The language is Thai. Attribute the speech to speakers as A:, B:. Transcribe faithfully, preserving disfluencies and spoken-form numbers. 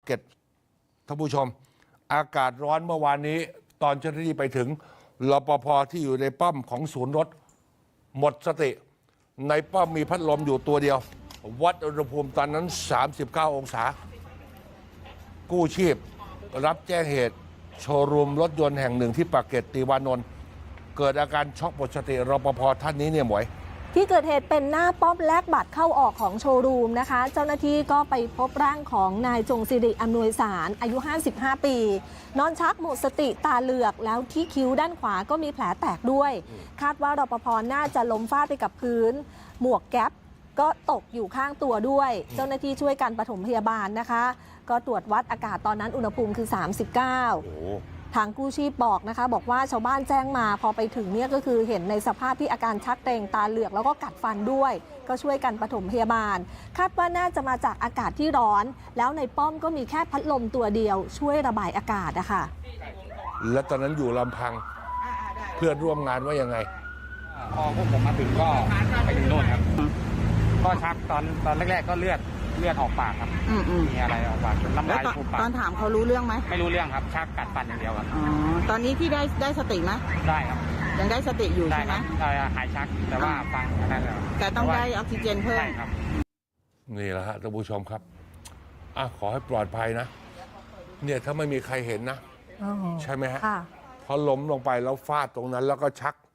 A: ก็ตท่านผู้ชมอากาศร้อนเมื่อวานนี้ตอนเจ้าหน้าที่ไปถึงรปภ.ที่อยู่ในป้อมของศูนย์รถหมดสติในป้อมมีพัดลมอยู่ตัวเดียววัดอุณหภูมิตอนนั้นสามสิบเก้าองศากู้ชีพรับแจ้งเหตุโชว์รูมรถยนต์แห่งหนึ่งที่ปากเกร็ดติวานนท์เกิดอาการช็อกหมดสติรปภ.ท่านนี้เนี่ยหมวย
B: ที่เกิดเหตุเป็นหน้าป้อมแลกบัตรเข้าออกของโชว์รูมนะคะเจ้าหน้าที่ก็ไปพบร่างของนายจงสิริอำนวยสารอายุห้าสิบห้าปีนอนชักหมดสติตาเหลือกแล้วที่คิ้วด้านขวาก็มีแผลแตกด้วยคาดว่ารปภ.น่าจะล้มฟาดไปกับพื้นหมวกแก๊ปก็ตกอยู่ข้างตัวด้วยเจ้าหน้าที่ช่วยกันปฐมพยาบาลนะคะก็ตรวจวัดอากาศตอนนั้นอุณหภูมิคือสามสิบเก้าทางกู้ชีพบอกนะคะบอกว่าชาวบ้านแจ้งมาพอไปถึงเนี่ยก็คือเห็นในสภาพที่อาการชักเกร็งตาเหลือกแล้วก็กัดฟันด้วยก็ช่วยกันปฐมพยาบาลคาดว่าน่าจะมาจากอากาศที่ร้อนแล้วในป้อมก็มีแค่พัดลมตัวเดียวช่วยระบายอากาศนะคะ
A: และตอนนั้นอยู่ลำพังเพื่อนร่วมงานว่ายังไง
C: พอพวกผมมาถึงก็ไปถึงโน่นครับก็ชักตอนตอนแรกๆก็เลือดเลือดออกปากครับมีอะไรออกปากน้ำลายฟูมปาก
D: ตอนถามเขารู้เรื่องไหม
C: ไม่รู้เรื่องครับชักกัดฟันอย่างเดียวครับ
D: อ๋อตอนนี้ที่ได้ได้สติไหม
C: ได้ครับ
D: ยังได้สติอยู่ใช่ไหม
C: ได้หายชักแต่ว่าฟังอะไรแล้ว
D: แต่ต้องได้ออกซิเจนเพิ่ม
C: ใช่ครับ
A: นี่แหละฮะท่านผู้ชมครับอ่ะขอให้ปลอดภัยนะเนี่ยถ้าไม่มีใครเห็นนะใช่ไหมฮะพอล้มลงไปแล้วฟาดตรงนั้นแล้วก็ชัก